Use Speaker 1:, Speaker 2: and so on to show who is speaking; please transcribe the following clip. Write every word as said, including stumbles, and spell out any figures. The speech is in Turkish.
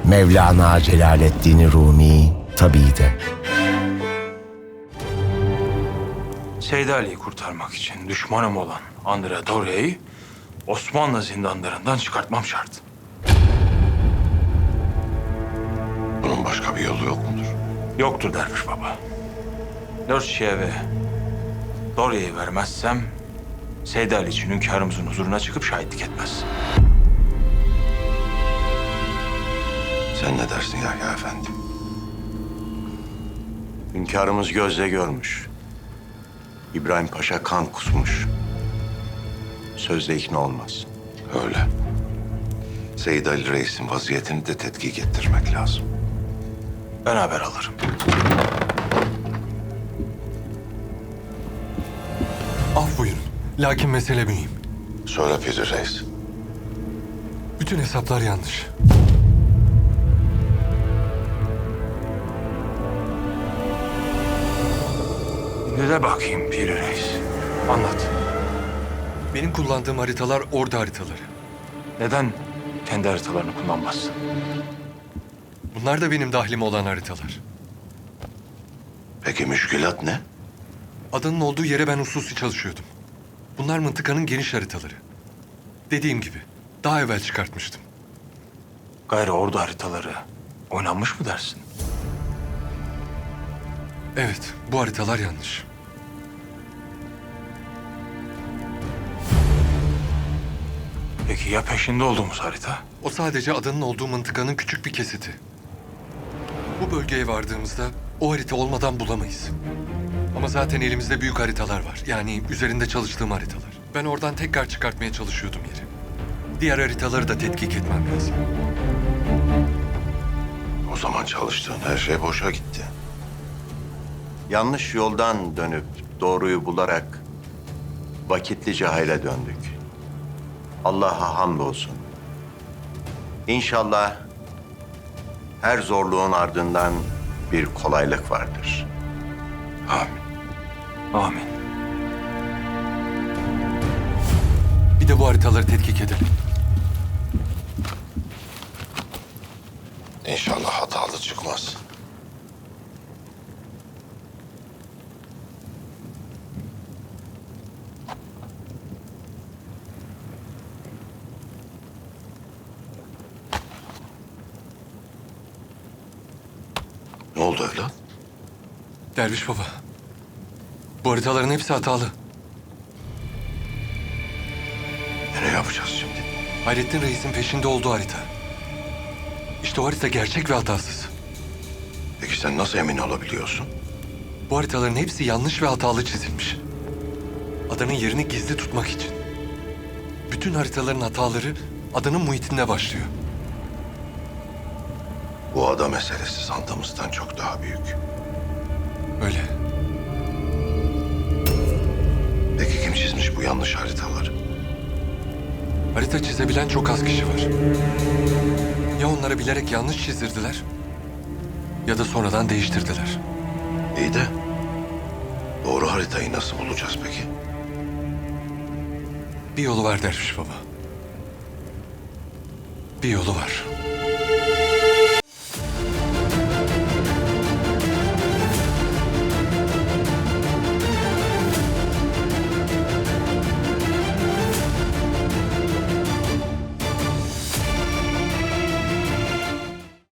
Speaker 1: Mevlana Celaleddin Rumi tabii de.
Speaker 2: Seydi Ali'yi kurtarmak için düşmanım olan Andrea Doria'yı Osmanlı zindanlarından çıkartmam şart.
Speaker 3: Bunun başka bir yolu yok mudur?
Speaker 2: Yoktur derviş baba. Dört şeye Doria'yı vermezsem Seydi Ali için hünkârımızın huzuruna çıkıp şahitlik etmez.
Speaker 3: Sen ne dersin Yahya Efendi?
Speaker 4: Hünkârımız gözle görmüş. İbrahim Paşa kan kusmuş. Sözle ikna olmaz.
Speaker 3: Öyle. Seyyid Ali Reis'in vaziyetini de tetkik ettirmek lazım.
Speaker 2: Ben haber alırım.
Speaker 5: Af buyurun. Lakin mesele mühim.
Speaker 3: Söyle Piri Reis.
Speaker 5: Bütün hesaplar yanlış.
Speaker 2: Ne de bakayım Piri Reis. Anlat.
Speaker 5: Benim kullandığım haritalar ordu haritaları.
Speaker 2: Neden kendi haritalarını kullanmazsın?
Speaker 5: Bunlar da benim dahlim olan haritalar.
Speaker 3: Peki müşkülat ne?
Speaker 5: Adanın olduğu yere ben hususi çalışıyordum. Bunlar mıntıkanın geniş haritaları. Dediğim gibi daha evvel çıkartmıştım.
Speaker 2: Gayrı ordu haritaları oynanmış mı dersin?
Speaker 5: Evet, bu haritalar yanlış.
Speaker 2: Peki ya peşinde olduğumuz harita?
Speaker 5: O sadece adanın olduğu mıntıkanın küçük bir kesiti. Bu bölgeye vardığımızda o harita olmadan bulamayız. Ama zaten elimizde büyük haritalar var. Yani üzerinde çalıştığım haritalar. Ben oradan tekrar çıkartmaya çalışıyordum yeri. Diğer haritaları da tetkik etmem lazım.
Speaker 3: O zaman çalıştığın her şey boşa gitti.
Speaker 4: Yanlış yoldan dönüp doğruyu bularak vakitlice hayle döndük. Allah'a hamdolsun. İnşallah her zorluğun ardından bir kolaylık vardır.
Speaker 3: Amin.
Speaker 2: Amin.
Speaker 5: Bir de bu haritaları tetkik edelim.
Speaker 3: İnşallah hatalı çıkmaz. Ne oldu evlat?
Speaker 5: Derviş baba, bu haritaların hepsi hatalı.
Speaker 3: E ne yapacağız şimdi?
Speaker 5: Hayrettin Reis'in peşinde olduğu harita. İşte o harita gerçek ve hatasız.
Speaker 3: Peki sen nasıl emin olabiliyorsun?
Speaker 5: Bu haritaların hepsi yanlış ve hatalı çizilmiş. Adanın yerini gizli tutmak için. Bütün haritaların hataları adanın muhitinde başlıyor.
Speaker 3: Bu ada meselesi sandığımızdan çok daha büyük.
Speaker 5: Öyle.
Speaker 3: Peki kim çizmiş bu yanlış haritaları?
Speaker 5: Harita çizebilen çok az kişi var. Ya onlara bilerek yanlış çizdirdiler ya da sonradan değiştirdiler.
Speaker 3: İyi de doğru haritayı nasıl bulacağız peki?
Speaker 5: Bir yolu var Derviş baba. Bir yolu var.